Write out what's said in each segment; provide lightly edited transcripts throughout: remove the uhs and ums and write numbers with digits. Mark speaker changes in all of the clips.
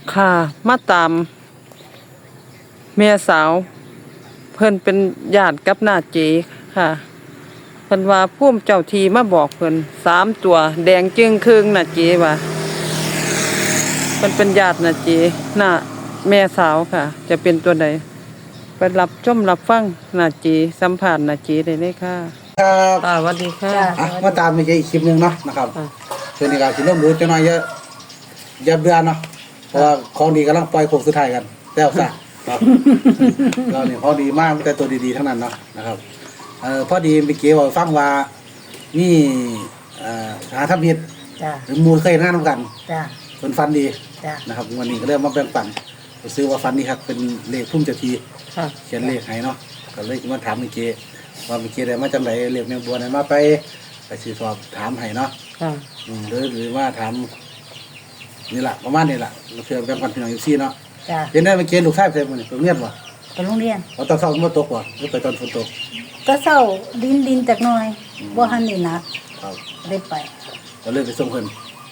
Speaker 1: ค่ะมาตามแม่สาวเพิ่นเป็นญาติกับน้าเจค่ะเพิ่นว่าภูมิเจ้าทีมาบอกเพิ่น3ตัวแดงจึงครึ่งน้าเจว่าเพิ่นเป็นญาติน้าเจน้าแม่สาวค่ะจะเป็นตัวใดไปรับชมรับฟังน้าเจสัมภาษณ์น้าเจได้เลยค่ะ
Speaker 2: ครับ
Speaker 1: สวัสดีค่ะ
Speaker 2: มาตามอีกคลิปหนึงเนาะนะครับเพื่อนในการสิเริ่มรู้จะน้อยเยอะอย่าเบื่อเนาะเพราะว่าของดีกำลังปล่อยโค้งสุดท้ายกันแล้วซะครับเราเนี่ยของดีมากแต่ตัวดีๆทั้งนั้นเนาะนะครับพอดีเมื่อกี้ว่าฟังว่านี่หาทับมิตรหรือมูลเคยงานร่วมกันเป็นฟันดีนะครับวันนี้ก็เริ่มมาแบ่งปันซื้อว่าฟันนี่ครับเป็นเลขพุ่มเจ้าทีเขียนเลขให้เนาะก็เลยมาถามเมื่อกี้ว่าเมื่อกี้ได้มาจำไหนเลขแมงบัวไหนมาไปสืบสอบถามให้เนาะหรือว่าถามนี่แหละประมาณนี้แหละเราเชื่อแบ่งปันพี่น้องอยู่ซี่เนาะเห็นได้เมื่อกี้ลูกชายไปมันไปโรงเรียนวะ
Speaker 3: ไปโรงเรียน
Speaker 2: ตอนเช้ามันตกวะหรือไปตอนฝนตก
Speaker 3: ก็เศร้าดินจากหน่อยบ่หันนี่นะได้ไป
Speaker 2: ก็เลยไปส่งเพิ่น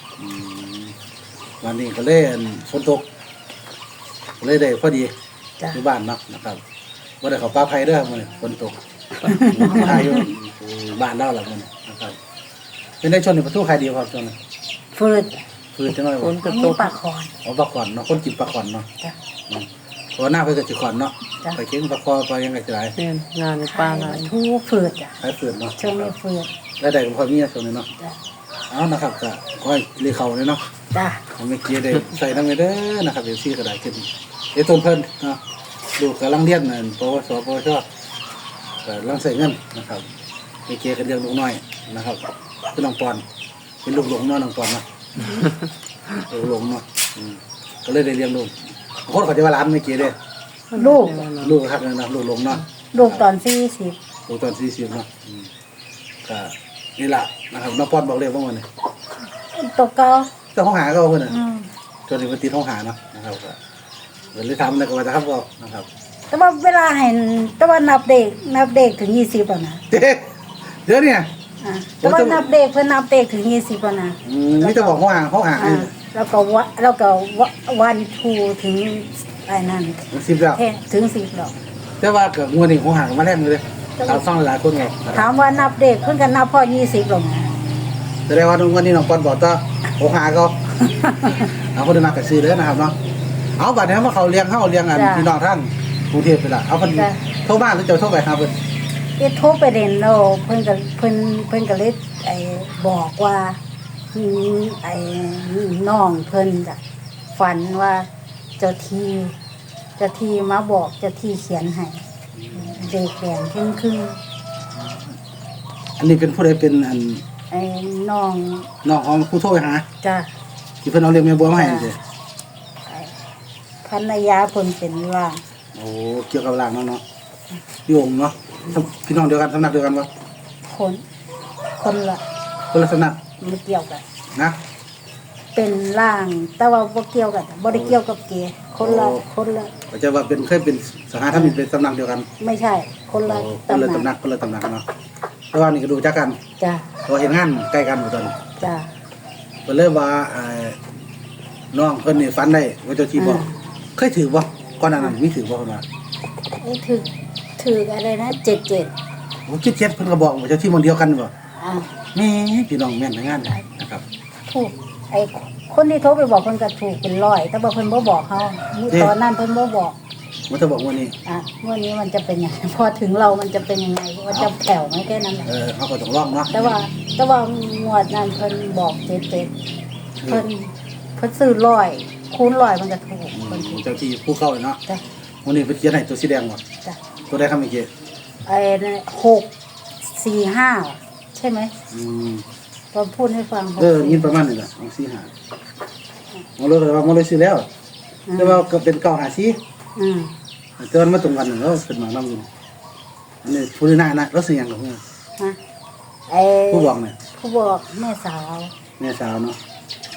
Speaker 2: วันนี้ก็เล่นฝนตกเลยได้พอดีที่บ้านเนาะนะครับว่าได้เขาป้าไผ่ด้วยมันฝนตกไผ่อยู่บ้านเล่าหลังมันนะครับเป็นได้ชนในประตูใครดีครับชน
Speaker 3: ฟืด
Speaker 2: จังเลย
Speaker 3: ฝนตกปลาขอน
Speaker 2: ปลาขอนเนาะคนกินปลาขอนเนาะเพราะหน้าเพื่อจะขอนเนาะไปเก่งปลาคอไปยังไงจะไร
Speaker 1: งานในป่าอะไร
Speaker 3: ทูฟืดจ้ะ
Speaker 2: ใช้ฟืดเนาะ
Speaker 3: ช่วงนี้ฟืด
Speaker 2: ได้ได้พอมีส่วนนึงเนาะเอานะครับก็ค่อยเลี้ยเขาเลยเนาะ
Speaker 3: จ้ะ
Speaker 2: เมื่อกี้ได้ใส่น้ำเด้อนะครับเดี๋ยวซี่ก็ได้ขึ้นเดี๋ยวต้นเพิ่นเนาะดูกำลังเรียนนั่นปวสปวชกำลังใส่เงินนะครับเมื่อกี้ก็เลี้ยงลูกน้อยนะครับเป็นน้องปอนเป็นลูกหลงเนาะน้องปอนเนาะลูกหลงเนาะก็เลยได้เลี้ยงลูกคนเขาจะว่าร้านเมื่อกี้เด้ลูกครับนะลูกหลงเนาะ
Speaker 3: ลูกตอน40
Speaker 2: ลูกตอน40เนาะก็นี่แหละนะครับน้องปอนบอกเลยว่ามัน
Speaker 3: ตกเก่า
Speaker 2: เจ้าห้องหาก็เอาเพิ่นน่ะจนถึงวันตีห้องหาเนาะนะครับก็เลยทำอะไรก็ว่าจะครับก็นะครับ
Speaker 3: แต่ว่าเวลาเห็นแต่ว่านับเด็กถึง20แล้วนะ
Speaker 2: เดี๋ยวเนี่ย
Speaker 3: แต่ว่านับเด็กเพิ่นนับเด็กถึง20แล้วนะ
Speaker 2: นี่จะบอกห้องหา
Speaker 3: แล้วก็วันทูถึงไอ้นั่น
Speaker 2: 10แล้ว
Speaker 3: ถึง10แล้ว
Speaker 2: แต่ว่าเกิดงวดนี้ห้องหามาแรกเลยถามฟังหลายคนไง
Speaker 3: ถามว่านับเด็กเพิ่นก็นับพอ20แล้วนะ
Speaker 2: แสดงว่าวันนี้น้องปอนบอกว่าห้องหาก็เอาคนเดินมากับซื้อเลยนะครับเนาะเอาบัดนี้ว่าเขาเลี้ยงกันพี่น้องท่านกรุงเทพไปละเอาคนโทรบ้านหรือจะโทรไปครับเพิ่น
Speaker 3: โทรไปเด่นแล้วเพิ่นก็เลยบอกว่าไอ้น้องเพิ่นจะฝันว่าเจ้าที่มาบอกเจ้าที่เขียนให้เด็กแดงครึ่ง
Speaker 2: อันนี้เป็นผู้ใดเป็นอัน
Speaker 3: ไอ้น้อง
Speaker 2: ของผู้โทรไปหา
Speaker 3: จ้ะ
Speaker 2: ที่เพิ่นเอาเลี้ยงแม่บัวมาให้จังซี่
Speaker 3: ภรรยาเพิ่นเป็นว่า
Speaker 2: โอ้เกี่ยวกับร่างเนาะพี่องค์เนาะพี่น้องเดียวกันสำนักเดียวกันบ่
Speaker 3: คนละ
Speaker 2: สำนัก
Speaker 3: ไม่เกี่ยวกัน
Speaker 2: นะ
Speaker 3: เป็นร่างแต่ว่าบ่เกี่ยวกันบ่ได้เกี่ยวกับเกคนละ
Speaker 2: ก็จะว่าเคยเป็นสหธรรมิกเป็นสำนักเดียวกัน
Speaker 3: ไม่ใช่คนละ
Speaker 2: ตำนักเนาะแต่ว่านี่ก็ดูจักกัน
Speaker 3: จ้ะ
Speaker 2: เพราะเห็นงานใกล้กันอยู่ตอน
Speaker 3: จ้ะ
Speaker 2: เพิ่นเลยว่าน้องเพิ่นนี่ฝันได้ว่าเจ้าที่บอกเคยถือบ่ก่อนหน้านั้นมีถือบ่เพิ่นว่า
Speaker 3: ถืออะไรนะ77
Speaker 2: โอ้77เพิ่นก็บอกว่าเจ้าที่มันเดียวกันบ่แม่พี่น้องแม่นงานนะครับ
Speaker 3: ถูกไอ้คนที่โทรไปบอกเพิ่นก็ถูกเป็น100แต่ว่าเพิ่นบ่บอกเฮาตอนนั้นเพิ่นบ่บอก
Speaker 2: มันจะบอกวันนี้
Speaker 3: วันนี้มันจะเป็นยังไงพอถึงเรามันจะเป็นยังไงว่าจะแผ่วไหมแค่นั้นแหละ
Speaker 2: เขาก็ต้องลองเนาะ
Speaker 3: แต่ว่างวดนั้นเพิ่นบอกเจ็ดเพิ่นซื้อ100คูณ100มันจะถูก
Speaker 2: เพิ่นเจ้าที่ผู้เข้าเลยเนาะวันนี้เพิ่นเขียนให้ตัวสีแดงบ่
Speaker 3: จ้ะ
Speaker 2: ตัวใดครับเมื่อกี้
Speaker 3: ไอ้645ใช่ไหมตอนพูดให้ฟัง
Speaker 2: ยินประมาณนี้แหละ45มันเลยซื้อแล้วแต่ว่าก็เป็น954แต่ว่ามาตรงกันแล้วเป็นหมานำอยู่อันนี้ผู้นี่นะแล้วซื้อหยังกับเพิ่นผู้บอกเนี่ย
Speaker 3: ผู้บอกแม่สาว
Speaker 2: เนาะ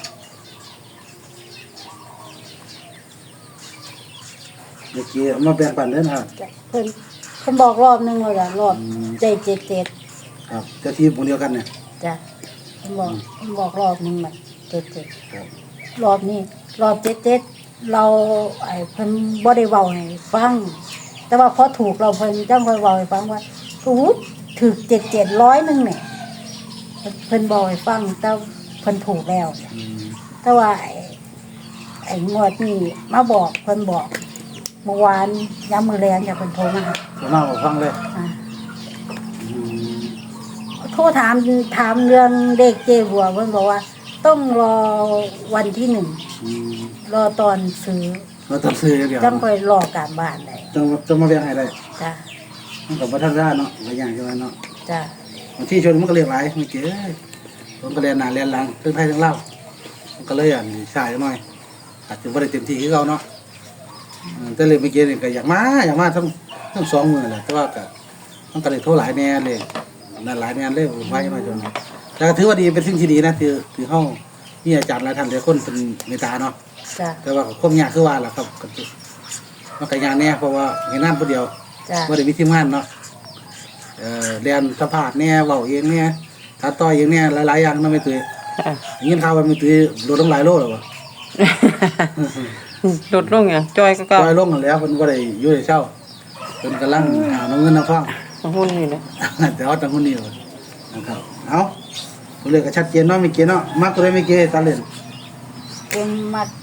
Speaker 2: เมื่อกี้มาแบ่งปันเด้อนะครับ
Speaker 3: เพิ่นบอกรอบนึงแล้วล่ะรอบได้77
Speaker 2: ครับเจ้าที่วงเดียวกันเนี่ย
Speaker 3: จ้ะเพิ่นบอกรอบนึงมัน77ครับรอบนี้รอบ77 เราเพิ่นบ่ได้เว้าให้ฟังแต่ว่าพอถูกเราเพิ่นจังค่อยเว้าให้ฟังว่าถูกถึก700นึงเนี่ยเพิ่นบอกให้ฟังแต่เพิ่นถูกแล้ว แต่ว่าไอ้งวดนี่มาบอกเพิ่นบอกเมื่อวานย้ำมือแรงจากเพิ่นโทรมาหา
Speaker 2: ผมมาบอกฟังเลย
Speaker 3: อ่าโทรถามเรื่องเด็กเจบัวเพิ่นบอกว่า ต้องรอวันที่ 1รอตอนซื้อ
Speaker 2: เราต้องซื้อเดียว
Speaker 3: จังค่อยรอการบ้านได้
Speaker 2: ต้องมาเรียงให้ได้
Speaker 3: จ้ะ
Speaker 2: มันกับวัฒนธรรมเนาะหลายอย่างใช่ไหมเนาะ
Speaker 3: จ้ะ
Speaker 2: บางที่ชนมันก็เรียกหลายไม่เก๋ผมก็เรียนหนาเรียนหลังเรื่องไทยเรื่องเล่ามันก็เลยสายหน่อยอาจจะไม่ได้เต็มที่ที่เราเนาะแต่เลยไม่เก๋เนี่ยก็อยากมาทั้งสองมือแหละแต่ว่าก็ต้องกระเลยโทษหลายแน่เลยนั่นหลายแน่เลยไว้มาจนแต่ก็ถือว่าดีเป็นสิ่งที่ดีนะถือห้องนี่อาจารย์หลายท่านหลายคนเป็นเมตตาเนาะ
Speaker 3: จ้ะ
Speaker 2: แต่ว่าความยากคือว่าล่ะครับมันก็ยากแน่เพราะว่าเห็นน้ำคนเดียว
Speaker 3: จ้ะ
Speaker 2: ว่าได้มีทีมงานเนาะเรียนสัมภาษณ์แน่เว้าเองแน่ตัดต่อเองแน่หลายๆอย่างเนาะไม่ตื่น
Speaker 1: ค่ะ
Speaker 2: ยินข่าวว่าไม่ตื่นลดลงหลายโลแล้ววะ
Speaker 1: ลดลงอย่างจอยก็เก่า
Speaker 2: ลอยลงกันแล้วเพิ่นบ่ได้อยู่ได้เช่าเพิ่นกำลังหาน้ำเงินน้ำทอง
Speaker 1: หุ้นนี่นะ
Speaker 2: แต่ว่าตั้งคนนี้ว่านะครับเอาตัวเลขก็ชัดเจนเนาะไม่เกี่เนาะมักตัวใดไม่เกี่ตาเล่น
Speaker 3: เป็นมัด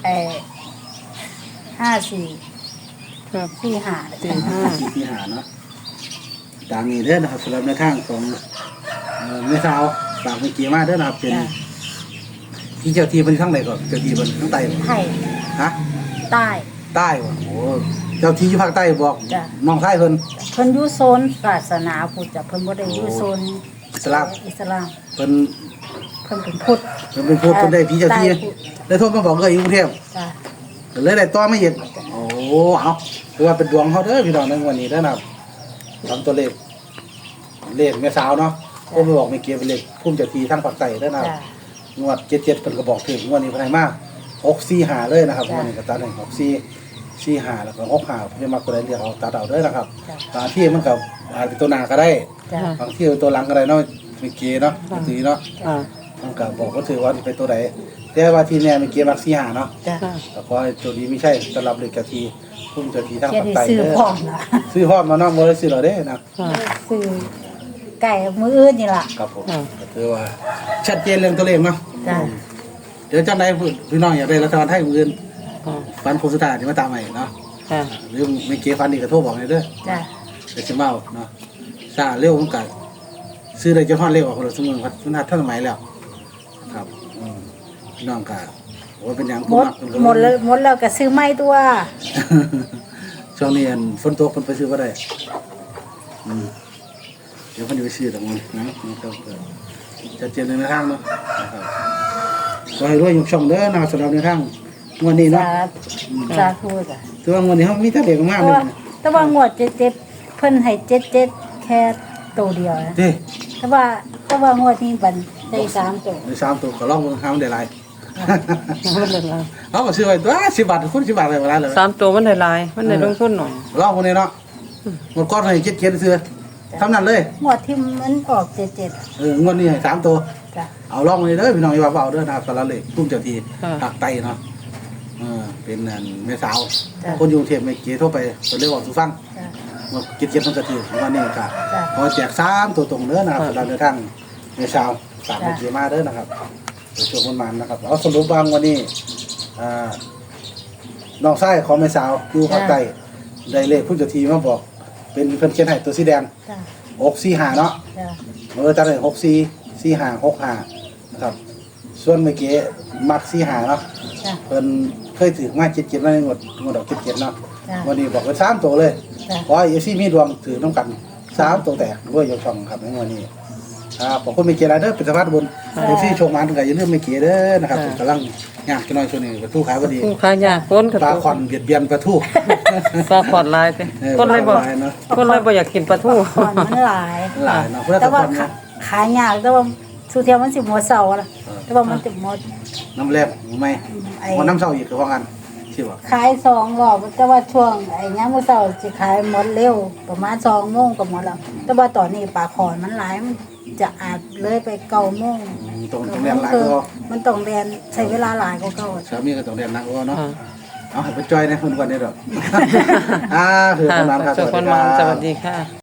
Speaker 3: 54
Speaker 1: ครับ
Speaker 3: 45
Speaker 2: ที่หาเนาะตามนี้เด้อนะครับสำหรับในทางของแม่สาวฝากไม่เกี่มาเด้อนะครับเป็น
Speaker 3: จ้ะ
Speaker 2: ที่เจ้าที่เป็นข้างไหนก่อนเจ้าที่เป็นข้างใต้บ่
Speaker 3: ไทย
Speaker 2: ฮะ
Speaker 3: ใต้
Speaker 2: ใต้บ่โอ้เจ้าที่อยู่ภาคใต้บอก
Speaker 3: จ้ะ
Speaker 2: น้องชายเพิ่น
Speaker 3: เพิ่นอยู่โซนศาสนาพุทธจ้ะเพิ่นบ่ได้อยู่โซน
Speaker 2: อิสลาม
Speaker 3: อิสลาม
Speaker 2: เพิ่น
Speaker 3: เพิ่นเป็นพุทธ
Speaker 2: เพิ่นเป็นผู้เพิ่นได้พี่เจ้าที่
Speaker 3: ใต้พุทธ
Speaker 2: ได้โทรมาบอกเลยอยู่กรุงเทพ
Speaker 3: จ้ะ
Speaker 2: ก็เลยได้ต่อมาอีกโอ้เอาถือว่าเป็นดวงเขาเด้อพี่น้องในวันนี้เด้อนะครับทำตัวเลขแม่สาวเนาะก็ไปบอกไม่เกี่ยวเป็นเลขพุ่มเจ้าที่ทางภาคใต้เด้อนะครับ
Speaker 3: จ้ะ
Speaker 2: งวด77เพิ่นก็บอกถึงงวดนี้เพิ่นให้มา645เลยนะครับ
Speaker 3: จ้ะ
Speaker 2: งวดนี้ก็ตัดให้6445แล้วก็65เพิ่นมาตัวใดเรียกเอาตัดเอาเด้อนะครับ
Speaker 3: จ้ะ
Speaker 2: บางที่มันก็อาจเป็นตัวหน้าก็ได้
Speaker 3: จ้ะ
Speaker 2: บางที่เป็นตัวหลังก็ได้เนาะไม่เกี่ยวเนาะไม่ตีเนาะ
Speaker 1: อ่า
Speaker 2: มันก็บอกว่าถือว่าเป็นตัวใดแต่ว่าที่เนี่ยไม่เกี่ยวมัก45เนาะ
Speaker 3: จ้ะ
Speaker 1: ค่ะ
Speaker 2: แต่พอตัวนี้ไม่ใช่สำหรับเลขเจ้าที่พุ่มเจ้าที่ทาง
Speaker 3: เขียน
Speaker 2: ภาค
Speaker 3: ให้
Speaker 2: ใต้
Speaker 3: ซื้อ
Speaker 2: เด้อ
Speaker 3: พร้อมล่ะ
Speaker 2: ซื้อพร้อมมาเนาะบ่ได้ซื้อหรอกเด้นะ
Speaker 1: ค่ะ
Speaker 3: ซื้อไก่มื้ออื่นนี่ล่ะ
Speaker 2: ครับผม
Speaker 1: อ่า
Speaker 2: ก็ถือว่าชัดเจนเรื่องตัวเลขเนาะ
Speaker 3: จ้ะ
Speaker 2: เดี๋ยวจังไดพี่น้องอยากได้รัฐบาลไทยมื้ออื่น
Speaker 1: อ่า
Speaker 2: ฟันโคงสุดท้ายนี่มาตามใหม่เนาะ
Speaker 1: ค่ะ
Speaker 2: หรือไม่เกี่ยวฟันนี่ก็โทรบอกให้เด้อ
Speaker 3: จ้ะ
Speaker 2: เดี๋ยวสิมาเอาเนาะซาเร็วมันก็ซื้อได้จนฮอดเร็วออกคนละสมุนครับมันทันสมัยแล้วครับพี่น้องก็ว่าเป็นหยัง
Speaker 3: หมดหมดแล้วก็ซื้อใหม่ตัว
Speaker 2: ช่วงนี้ฝนตกเพิ่นไปซื้อบ่ได้เดี๋ยวเพิ่นจะไปซื้อตรงนั้นนะครับจะเจนในทางเนาะนะครับก็ให้รวยอยู่ช่องเด้อนะครับสำหรับในทางงวดนี้เนาะ
Speaker 3: สาธุจ้ะ
Speaker 2: ถือว่างวดนี้เฮามีแต่เด็กมาก
Speaker 3: แต่
Speaker 2: เลย
Speaker 3: ว่าแต่ว่างวด77เพิ่นให้77แค่ตัวเดียวนะ
Speaker 2: เด้
Speaker 3: แต่ว่างวดนี้บันได้3ตัว
Speaker 2: ใน3ตัวก็ลองเบิ่งหามันได้หลาย
Speaker 1: มันได้หลาย
Speaker 2: เอาก็ซื้อไว้ตัว10 บาทคุณ10 บาทได้เวลาเลย
Speaker 1: 3 ตัวมันได้หลายมันได้ลงทุนหน่อย
Speaker 2: ลองคนนี้เนาะหมดก้อนให้เจ็ดซื้อทำนั้นเลย
Speaker 3: งวดที่มันออก77
Speaker 2: งวดนี้ให้3 ตัว
Speaker 3: จ้ะ
Speaker 2: เอาลองคนนี้เด้อพี่น้องอย่าว่าเอาเด้อนะครับสำหรับเลขตุ้มเจ้าที่ภาคใต้เนาะเป็นแม่สาวคนอยู่กรุงเทพไม่เกี่ยวโทรไปเพิ่นเลยบอกสู่ฟัง
Speaker 3: จ้ะ
Speaker 2: ว่าเจ็ดมันจะถือวันนี้ก็
Speaker 3: จ้ะ
Speaker 2: พอแจก3 ตัวตรงเด้อนะครับสำหรับในทางแม่สาวฝากเกี่ยวมาเด้อนะครับเดี๋ยวช่วงมันๆนะครับเอาสรุปบางวันนี้น้องชายของแม่สาวอยู่ภาคใต้ได้เลขผู้เจ้าที่มาบอก เป็นเพิ่นเขียนให้ตัวสีแดง
Speaker 3: จ้ะ
Speaker 2: 645เนาะ
Speaker 3: จ้ะ
Speaker 2: จัดให้644565นะครับส่วนเมื่อกี้มัก45เนาะ
Speaker 3: จ้ะ
Speaker 2: เพิ่นเคยถือมา77มาในงวดดอก77เนาะ
Speaker 3: จ้ะ
Speaker 2: วันนี้บอกเป็น3ตัวเลย
Speaker 3: จ้ะ
Speaker 2: ขอให้FCมีดวงถือน้ำกัน3ตัวแตกด้วยยกช่องครับในวันนี้ขอบคุณเมเกียร์เด้อเป็นสภาพบุญ FC โชคมาถึงก็อย่าลืมเมเกียร์เด้อนะครับกำลังยากจังน้อยช่วงนี้ประตูขายบ่ดี
Speaker 1: ผู้ค้ายากคนก็
Speaker 2: ปลาคอนเบียดเบียนประตู
Speaker 1: ปลาขอดลายติคนเลยบ่
Speaker 2: ปลาขอดลายเนาะ
Speaker 1: คนเลยบ่อยากกินปลาทู
Speaker 3: ก่อนมันหลาย
Speaker 2: หลายเนาะเพื่อ
Speaker 3: แต่
Speaker 2: ตะค
Speaker 3: ว่า
Speaker 2: อนเนาะ
Speaker 3: ขายยากแต่ว่าสุเทียมันสิหมดเสาร์ละแต่ว่ามันจะหมด
Speaker 2: น้ำแลบไหม
Speaker 3: ไอ้
Speaker 2: มันน้ำเศร้าอีกคือว่ากันชื่อว่า
Speaker 3: ขาย2 รอบแต่ว่าช่วงไอ้ยามมื้อเช้าสิขายหมดเร็วประมาณ2 โมงก็หมดแล้วแต่ว่าตอนนี้ปลาขอนมันหลายมันจะอาจเลยไป9 โมง
Speaker 2: ตรงเรียนหลายก็
Speaker 3: มันต้องเรียนใช้เวลาหลายกว่าเก่า
Speaker 2: สามีก็ต้องเรียนหนักกว่าเนาะ
Speaker 1: อ่า
Speaker 2: เอาให้ไปจอยในคนก่อนนี่ดอกคือ
Speaker 1: ค่ะ
Speaker 2: ประมาณครับ
Speaker 1: สุขคนมาสวัสดีค่ะ